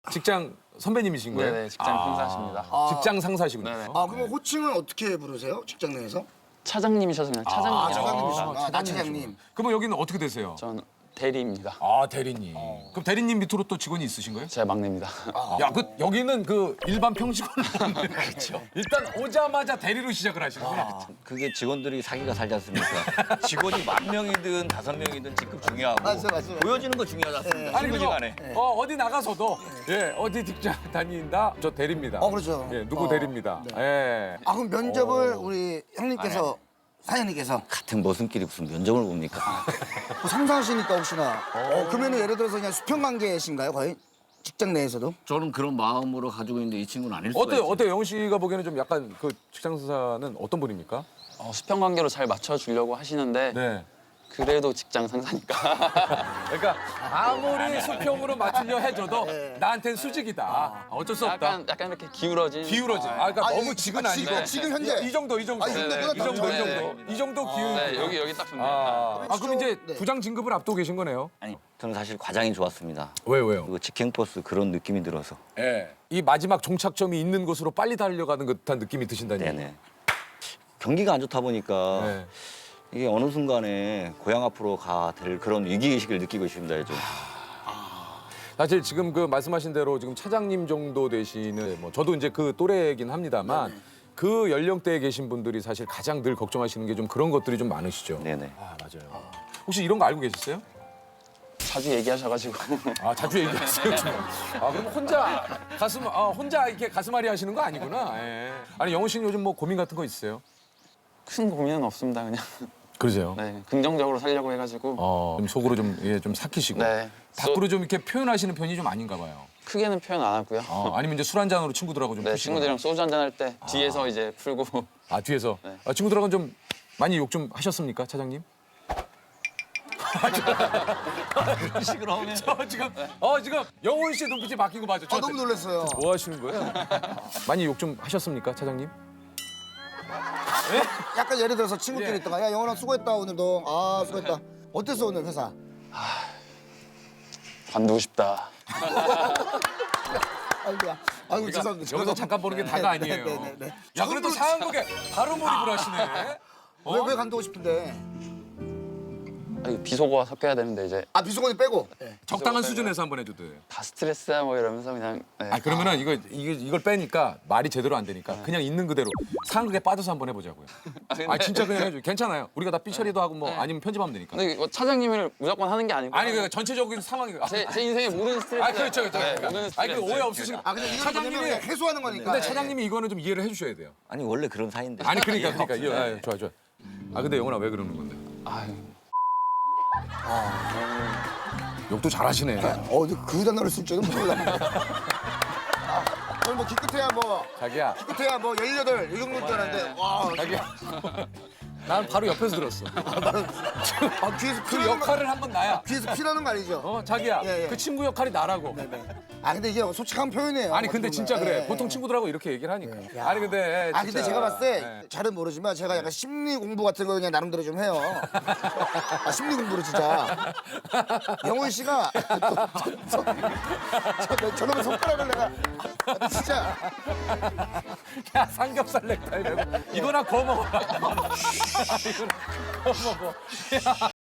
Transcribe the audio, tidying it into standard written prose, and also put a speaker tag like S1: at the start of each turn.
S1: 직장 선배님이신 거예요?
S2: 네네, 직장 상사십니다.
S1: 직장 상사시군요.
S2: 네네.
S3: 아, 그러면 호칭은 어떻게 부르세요? 직장 내에서?
S2: 차장님이셔서 그냥 차장님이라고
S3: 차장님이시구나.
S2: 합니다.
S3: 차장님.
S1: 그러면 여기는 어떻게 되세요?
S2: 전 대리입니다.
S1: 아, 대리님. 그럼 대리님 밑으로 또 직원이 있으신 거예요?
S2: 제가 막내입니다.
S1: 야, 여기는 그 일반 평직원으로 그렇죠. 일단 오자마자 대리로 시작을 하시는구나.
S4: 그게 직원들이 사기가 살지 않습니까? 직원이 10,000명이든 5명이든 직급 중요하고
S3: 맞아.
S4: 보여지는 거 중요하지 않습니까?
S1: 아니 그리고
S4: 친구지간에.
S1: 어디 나가서도 예, 어디 직장 다닌다. 저 대리입니다.
S3: 그렇죠.
S1: 예, 누구 대리입니다. 예.
S3: 아, 그럼 면접을 우리 형님께서 사장님께서
S4: 같은 머슴끼리 무슨 면접을 봅니까?
S3: 뭐 상사하시니까 혹시나 그러면 예를 들어서 그냥 수평 관계이신가요? 거의 직장 내에서도?
S4: 저는 그런 마음으로 가지고 있는데 이 친구는 아닐 수가
S1: 어때요?
S4: 있어요.
S1: 어때요? 영훈 씨가 보기에는 좀 약간 그 직장 상사는 어떤 분입니까?
S2: 수평 관계로 잘 맞춰주려고 하시는데
S1: 네.
S2: 그래도 직장 상사니까
S1: 그러니까 아무리 수평으로 맞추려 해줘도 나한텐 수직이다. 어쩔 수 없다.
S2: 약간 이렇게 기울어진.
S1: 기울어진. 그러니까 너무 직은 아니고.
S3: 지금 현재?
S1: 이 정도.
S3: 이 정도
S1: 이 정도.
S2: 네.
S1: 이 정도 기울.
S2: 네, 여기 딱 좋네요.
S1: 그럼 이제
S3: 네.
S1: 부장 진급을 앞두고 계신 거네요.
S4: 아니, 저는 사실 과장이 좋았습니다.
S1: 왜요?
S4: 그리고 직행버스 그런 느낌이 들어서.
S1: 예. 이 마지막 종착점이 있는 곳으로 빨리 달려가는 듯한 느낌이 드신다니.
S4: 네네. 경기가 안 좋다 보니까
S1: 네.
S4: 이게 어느 순간에 고향 앞으로 가 될 그런 위기의식을 느끼고 있습니다, 요즘.
S1: 사실 지금 그 말씀하신 대로 지금 차장님 정도 되시는 뭐 저도 이제 그 또래이긴 합니다만 그 연령대에 계신 분들이 사실 가장 늘 걱정하시는 게 좀 그런 것들이 좀 많으시죠.
S4: 네네.
S1: 맞아요. 혹시 이런 거 알고 계셨어요?
S2: 자주 얘기하셔가지고
S1: 자주 얘기하세요. 그럼 혼자 이렇게 가슴앓이 하시는 거 아니구나. 예. 아니 영훈 씨는 요즘 뭐 고민 같은 거 있으세요?
S2: 큰 고민은 없습니다. 그냥
S1: 그러세요.
S2: 네, 긍정적으로 살려고 해가지고
S1: 좀 속으로 좀 삭히시고
S2: 네.
S1: 밖으로 좀 이렇게 표현하시는 편이 좀 아닌가 봐요.
S2: 크게는 표현 안 하고요.
S1: 아니면 이제 술 한 잔으로 친구들하고 좀
S2: 네,
S1: 푸시거나.
S2: 친구들이랑 소주 한잔 할 때 뒤에서 이제 풀고
S1: 뒤에서
S2: 네.
S1: 친구들하고는 좀 많이 욕 좀 하셨습니까, 차장님?
S4: 그런 식으로 하면.
S1: 지금 영훈 씨 눈빛이 바뀐 거 맞죠?
S3: 너무 놀랐어요.
S1: 뭐 하시는 거예요? 많이 욕 좀 하셨습니까, 차장님?
S3: 약간 예를 들어서 친구끼리
S1: 예.
S3: 있다가 야, 영원아 수고했다 오늘도. 수고했다. 어땠어 오늘 회사?
S2: 관두고 싶다.
S3: 아이고 죄송합니다.
S1: 여기서 잠깐 보는 게 다가 아니에요.
S3: 네.
S1: 야, 그래도 상한국에 바로 몰입을 하시네.
S3: 왜 간두고 싶은데?
S2: 비속어가 섞여야 되는데 이제
S3: 비수건이 빼고.
S1: 적당한 수준에서 한번 해줘도 돼요.
S2: 다 스트레스야 뭐 이러면서 그냥 네.
S1: 그러면은 이걸 빼니까 말이 제대로 안 되니까 그냥 있는 그대로 상극에 빠져서 한번 해보자고요. 진짜 그냥 해줘. 괜찮아요. 우리가 다 삐처리도 하고 뭐 아니면 편집하면 되니까.
S2: 근데 뭐 차장님을 무조건 하는 게 아니고
S1: 그러니까 전체적인 상황이.
S2: 제 인생의 모든 스트레스.
S1: 그렇죠.
S2: 네, 모든 스트레스.
S1: 그 오해 없으시고.
S3: 근데 이건
S1: 차장님이
S3: 그냥 해소하는 거니까.
S1: 근데 차장님이 이거는 좀 이해를 해주셔야 돼요.
S4: 아니, 원래 그런 사이인데.
S1: 그러니까. 좋아. 근데 영훈아 왜 그러는 건데?
S2: 아유,
S1: 욕도 잘하시네.
S3: 그 단어를 쓸 줄은 몰랐네. 오늘 뭐 기껏해야
S1: 자기야.
S3: 18, 이 정도인 줄 알았는데 와.
S1: 자기야. 난 바로 옆에서 들었어.
S3: 귀에서
S1: 그
S3: 피나는 거,
S1: 역할을 한번 나야.
S3: 귀에서 피나는 거 아니죠?
S1: 자기야.
S3: 예.
S1: 그 친구 역할이 나라고.
S3: 근데 이게 솔직한 표현이에요.
S1: 아니 근데 진짜 그래.
S3: 예.
S1: 보통 친구들하고 이렇게 얘기를 하니까.
S3: 야.
S1: 아니 근데 진짜.
S3: 근데 제가 봤을 때
S1: 네.
S3: 잘은 모르지만 제가 약간 심리 공부 같은 거 그냥 나름대로 좀 해요. 심리 공부를 진짜. 영훈 씨가 저놈의 손가락을 내가 진짜
S1: 야 삼겹살 넥타이 이거나 구워 먹어라. 이거나 구워 먹어.